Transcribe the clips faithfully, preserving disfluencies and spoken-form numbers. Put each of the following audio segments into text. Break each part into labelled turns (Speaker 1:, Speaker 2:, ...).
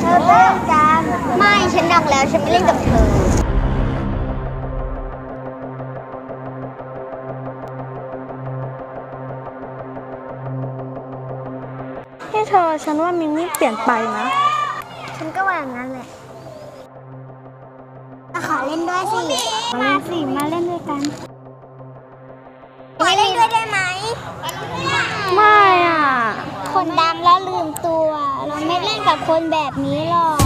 Speaker 1: อเล่นกันไม่ฉันดังแล้วฉันไม่เล่นกับเธอ
Speaker 2: ให้เธอฉันว่ามิมี่เปลี่ยนไปนะ
Speaker 1: ฉันก็ว่าอย่างนั้นแหละขอเล่นด้วยสิมาสิมาเล่นด้วยกันขอเล่นด้วยได้ไหม
Speaker 2: ไม่อ่ะ
Speaker 1: คนดังแล้วลืมตัวเราไม่เล่นกับคนแบบนี้หรอก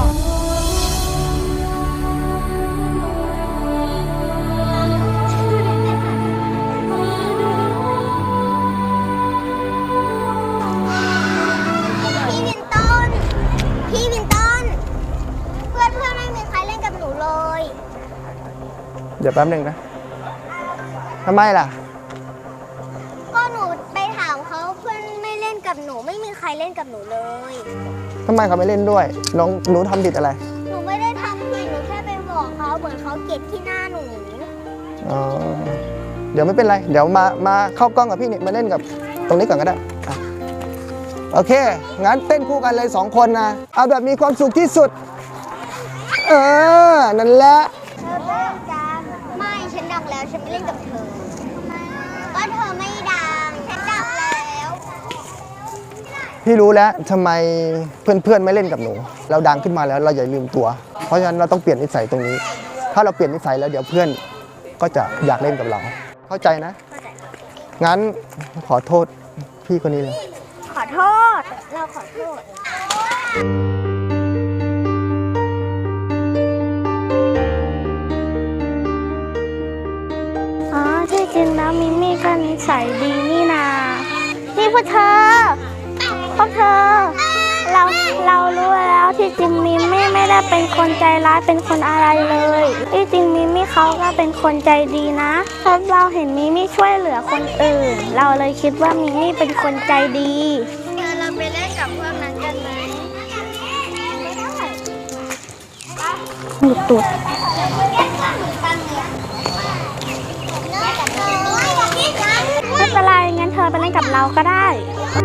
Speaker 1: พี่วินต้นพี่วินต้นเพื่อนเพื่อนไม่มีใครเล่นกับหนูเลย
Speaker 3: เดี๋ยวแป๊บหนึ่งนะทำไมล่ะ
Speaker 1: ก็หนูไปถามเขาเพื่อนไม่เล่นกับหนูไม่มีใครเล่นกับหนูเลย
Speaker 3: ทำไมเขาไม่เล่นด้วยน้องหนูทำผิดอะไร
Speaker 1: หนูไม่ได้ทำผิดหนูแค่ไปบอกเขาเหมือนเขาเกลียดที่หน้าหนู
Speaker 3: อ๋อเดี๋ยวไม่เป็นไรเดี๋ยวมามาเข้ากล้องกับพี่เนี่ยมาเล่นกับตรงนี้ก่อนก็ได้อ่ะโอเคงั้นเต้นคู่กันเลยสองคนนะเอาแบบมีความสุขที่สุดเออนั่นแหละ
Speaker 1: เธอเล่นกันไม่ฉันดังแล้วฉันไม่เล่นกับเธอก็เธอไม่ดังฉันดังแล้ว
Speaker 3: พี่รู้แล้วทำไมเพื่อนๆไม่เล่นกับหนูเราดังขึ้นมาแล้วเราอย่าลืมตัวเพราะฉะนั้นเราต้องเปลี่ยนนิสัยตรงนี้ถ้าเราเปลี่ยนนิสัยแล้วเดี๋ยวเพื่อนก็จะอยากเล่นกับเราเข้าใจนะงั้นขอโทษพี่คนนี้เลย
Speaker 1: ขอโทษเราขอโทษ
Speaker 2: อ๋อที่จริงแล้วมิมี่ก็นิสัยดีนี่นานี่พวกเธอพวกเธอเราเรารู้แล้วที่จริงมิมี่ไม่ได้เป็นคนใจร้ายเป็นคนอะไรเลยที่จริงมิมี่เขาก็เป็นคนใจดีนะเพราะเราเห็นมิมี่ช่วยเหลือคนอื่นเราเลยคิดว่ามิมี่เป็นคนใจดี
Speaker 1: เดี๋ยวเราไปเล่นกับพวกนั้นกันไหม
Speaker 2: หยุดตุดไม่เป็นไรงั้นเธอไปเล่นกับเราก็ได้